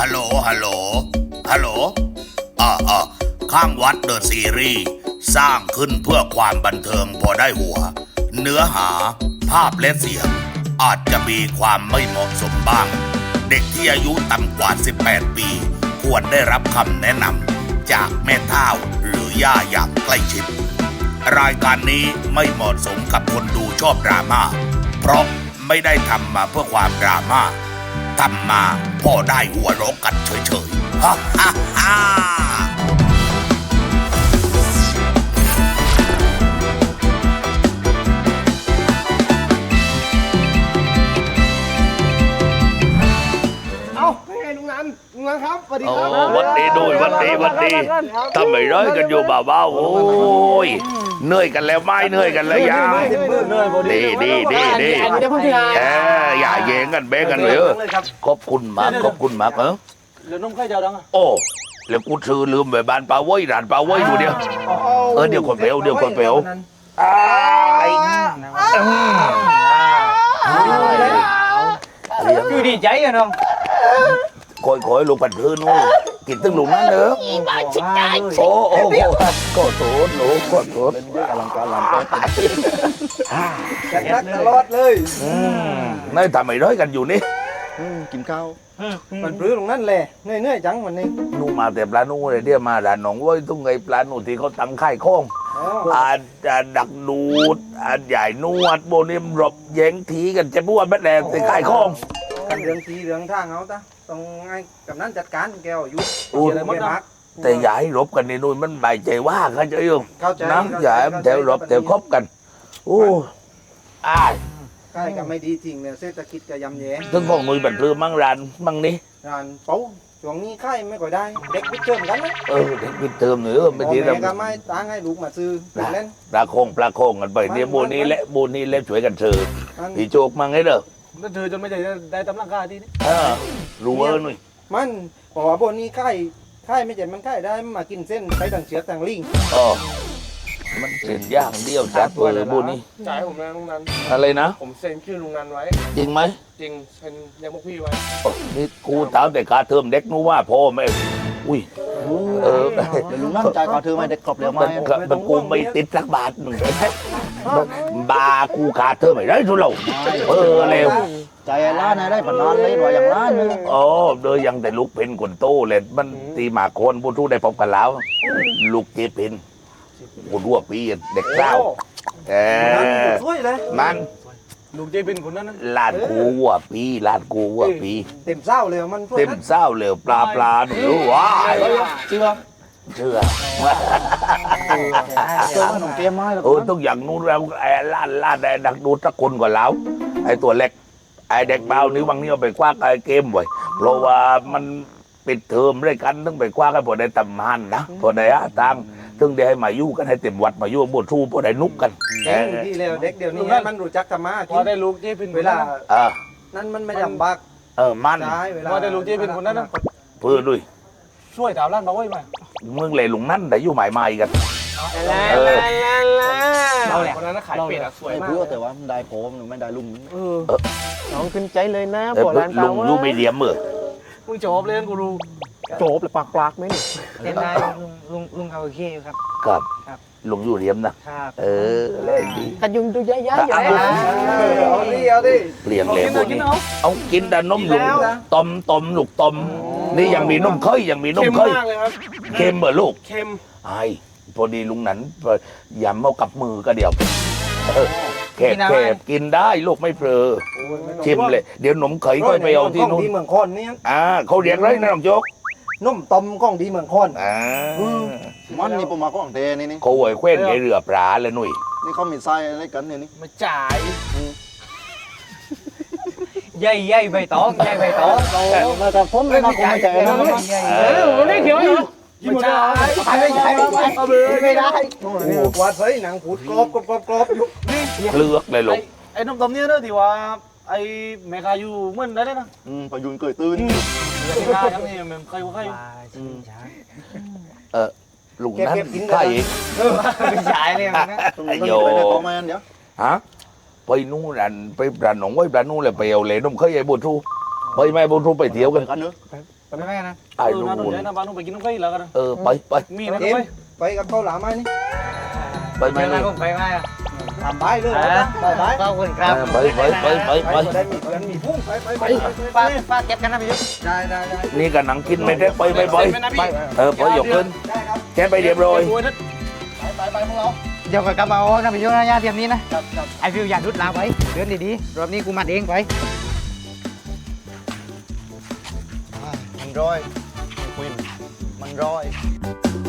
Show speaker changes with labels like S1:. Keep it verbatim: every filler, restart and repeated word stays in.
S1: ฮัลโหลฮัลโหลฮัลโหลอ่าอ่าข้างวัดเดอะซีรีส์สร้างขึ้นเพื่อความบันเทิงพอได้หัวเนื้อหาภาพและเสียงอาจจะมีความไม่เหมาะสมบ้างเด็กที่อายุต่ำกว่าสิบแปดปีควรได้รับคำแนะนำจากแม่เฒ่าหรือย่าอย่างใกล้ชิดรายการนี้ไม่เหมาะสมกับคนดูชอบดราม่าเพราะไม่ได้ทำมาเพื่อความดราม่าทำมาพอได้หัวเราะกันเฉยๆฮ่าฮ่าฮ่า
S2: ลุงนันลุงนันครับสวัสดี
S1: โอ้
S2: ครับ
S1: วันดีด้วยวันดีวันดีทำไมร้อยกันอยู่เบาๆโอ้ยเหนื่อยกันแล้วไม่เหนื่อยกันแล้วยังดีดีดีดีเอออย่าแย่งกันเบ้กันเลยขอบคุณมากขอบคุณมากเออ
S3: เหลือนมไข่เจ้าดังอ่ะ
S1: โอ้แล้วกูซื้อลืมไปบ้านปลาเว้ยร้านปลาเว้ยอยู่เดียวเออเดี๋ยวคนเปลวเดี๋ยวคนเปลว
S3: คือดีใจอะน้อง
S1: คอยคอยลูกปัดพื้นนู่นกินตึ้งลุงนั่นเนอะโอ้โอ้ก็โถหนูก็โถอลังการลำไป
S2: รักตลอดเลย
S1: นี่ทำไมร้อยกันอยู่นี่
S2: กินข้าวมันปลื้มตรงนั้นแหละเหนื่อยๆจังวันนี้
S1: นู่มาแต่ปลานู่เลยเดี๋ยวมาด่านหนองเว้ยตุ้งไงปลานู่ที่เขาตั้งค่ายโค้งอาจจะดักดูดอาจใหญ่นวดโบนิมรบแย้งทีกันจะพูดแม่แดงที่ค่ายโค้ง
S2: กันเรื่องทีเรื่องทางเอาตาต้องให้กับนั้นจัดการแกวอยู่อะไรมดนัก
S1: แต่อย่าให้รบกันในนู่นมันใบใจว่าเขาจะยุ่งน้ำอย่าแถวรบแถวคบกันโอ้อ้าย
S2: ใช่ก็ไม่ดีจริงเนี่ยเศรษฐกิจก็ยำแย่
S1: ถึงของมือบันเทิงมั่งรันมั่งนี้
S2: ร้านเป๋าช่วงนี้ไข่ไม่ค่อยได้เด็กพิเติมกันนะ
S1: เออเด็กพิเติมเนื้อไม่ดี
S2: เราก็ไม่ตั้งให้ลูกมาซื้อเล่น
S1: ปลาโคงปลาโคงกันไปเนี่ยโบนี้และโบนี้เล็บช่วยกันซื้อพี่โจกมั่งให้เด้อ
S3: นั่นเธอจนไม่ได้ได้ตำลังกาที่นี่
S1: เออรู้เออหน่อย
S2: มันบอกว่าโบนี้ไข่ไข่ไม่เจ็บมันไข่ได้มากินเส้นไปต่างเชือกต่างลิง
S1: อ๋อมันเส้นย่างเดียวจัดเบอร์โบนี้
S4: จ่ายผมนะลุงนัน
S1: อะไรนะ
S4: ผมเซ็นชื่อลุงนันไว้
S1: จริงไหม
S4: จริงเซ็นยังพวกพี่ไว้
S1: นี่กูถามแต่กาเทอมเด็กนู้ว่าพ่อไม่อุ้ยเออ
S3: ลุงนั่งจ่ายกาเทอมไม่ได้กรอบเร็วไหม
S1: มันกูไม่ติดสักบาทหนึ่งบากูขาเทอมไม่ได้ทุเราเออเร็ว
S3: ใจล้านได้ผ่านนานเลยหน่อยอย่างล้านนึง
S1: อ๋อโดยยังแต่ลูกเป็นคนโตเลยมันตีหมาโคนผู้ทูได้พบกันแล้วลูกเจเป็นคนรั่วปีเด็กเศร้าเออ
S2: ช่วยเลย
S1: มัน
S3: ลูกเจเป็นคนนั้น
S1: ลาดกูวัวปีลาดกูวัวปี
S2: เต็มเศร้าเลยมัน
S1: เต็มเศร้าเลยปลาปลาหนูว้า
S3: เชื่อ
S1: เชื่อ
S3: เชื่อว่าหนุ่มเกมมา
S1: เออต้องอย่างนู้นแล้วไอ้ลาดลาดไอ้ดักดูสักคนก่อนแล้วไอ้ตัวเล็กไอ้เด็กเบานิ้วบางนิ้วไปคว้าไอ้เกมไว้เพราะว่ามันปิดเทอมด้วยกันต้องไปคว้ากันพอได้ตำมันนะพอได้อะตังถึงได้ให้มายู่กันให้เต็มวัดมายู่บวชทูพอได้นุกกัน
S2: เด็กที่แล้วเด็กเดี๋ยวนี้มันรู้จักธรรมะ
S3: พอได้ลูกเจเป็น
S2: เวลา
S1: เออ
S2: นั่นมันไม่ลำบาก
S1: เออมัน
S3: พอได้ลูกเจเป็นคนนั้นนะ
S1: เพื่อด้วย
S3: ช่วยถามร้านมาไว้ไหม
S1: มึงเลยลุงนั่นได้อยู่หมายใหม่กัน
S2: เออ
S4: เราแหละคนนั้นขายเป็ดอะสวยมาก
S3: เพื่อแต่ว่าได้ผมไม่ได้ลุง
S2: เออน้องขึ้นใจเลยนะ
S1: ปวดร้านลุงยูไม่เดียมมือ
S3: มึงจบเลยกูรู้
S2: จบเลยปากปากไหม
S3: เห็นได้ลุงลุงเขาโอเคครับ
S1: ครับลุงอยู่เดียมนะเออเล่นดี
S2: กันยุงดูย้ายๆอยู่เลยเอาดิเอาดิ
S1: เปลี่ยนเลยพวกนี้เอากินแต่นมลุงต้มต้มลูกต้มนี่ยังมีนมเคยยังมีนมเคยเค็มเหรอลูก
S4: เค็ม
S1: ไอ้พอดีลุงนั้นยำเอากับมือก็เดียวแคบแคบกินได้ลูกไม่เพลอชิมเลยเดี๋ยวนมเคยก็ไปเอาที่นู้น
S2: ดีเมืองคอนนี่
S1: อ่าเขาเรียกไรนะน้องโจ๊ก
S2: นมต้มก้องดีเมืองคอน
S1: อ่า
S3: มันนี่ผมมาก้องเทนี่นี่
S1: เขาไหวแคว้นไอเรือปลาเลยหนุ่ย
S3: นี่เขามีไส้อะไรกันเนี่ยนี่
S4: มาจ่าย
S3: ใหญ่ใหญ่ใบตองใหญ่ใบตองมาแต่ผมไม่มาคงไม่ใจนะ
S4: เออไม่เขียวเหรอ
S3: ไม่ใช่ไม่ใช่ไม่ได้
S2: วัดใส่หนังผูดกรอบกรอบกรอบอยู่
S1: เลือกเลยลูก
S3: ไอ้นมต้มเนี่ยเนอะที่ว่าไอ้แม่กาอยู่เหมือนได้เลยนะ
S2: อืมพยุนเกยตื้น
S3: แม่กาอย่างนี้มันใครว่าใคร
S1: เออลุงนั้นใคร
S3: ไม่ใช่เลยนะ
S1: โยฮะไปนู่นรันไปรันหนองไว้รันนู่นเลยไปเอาเลยนมเคยไอ้บุตรูไปไม่บุตรูไปเที่ยวกัน
S2: กันเนอะ
S1: เ
S2: ไปไม่ได้นะ
S5: ไอ้
S3: เออ
S5: นู่
S3: น่าสนใจ
S5: น
S3: นะบ้านนู้นไปกินน้ำไก่แล้วกัน
S5: เออไปไป
S3: มีนะ
S2: เอ็
S3: ไป
S2: มไปกับเขาหลามไหมนี่
S5: ไปไหม
S3: เจออะไร
S5: นี่
S3: ผมไปไหมอ่ะ
S2: ทำใบเลยไปไป
S3: ขอบคุณครับ
S5: ไปไปไปไป
S2: ไป
S5: ไป
S2: ได้มีเพื่อนมีพุ่งไปไปไป
S3: ป้าป้าเก็บกันนะพี่ยุทธ
S2: ได้ได้ได้
S5: นี่กับหนังกินไม่ได้ไปไปไป
S4: เป็นนะพี่
S5: เออไปหยกขึ้น
S2: ได้ครับ
S5: แค่ไปเรียบร้อย
S2: ไปไปไปพวกเรา
S3: เดี๋ยวกับกระเป๋านะพี่ยุทธนะยาเตรียมนี้นะไอฟิวอย่าดุดลาไว้เดินดีๆรอบนี้กูมัดเองไป
S2: มันร้อยมันร้อย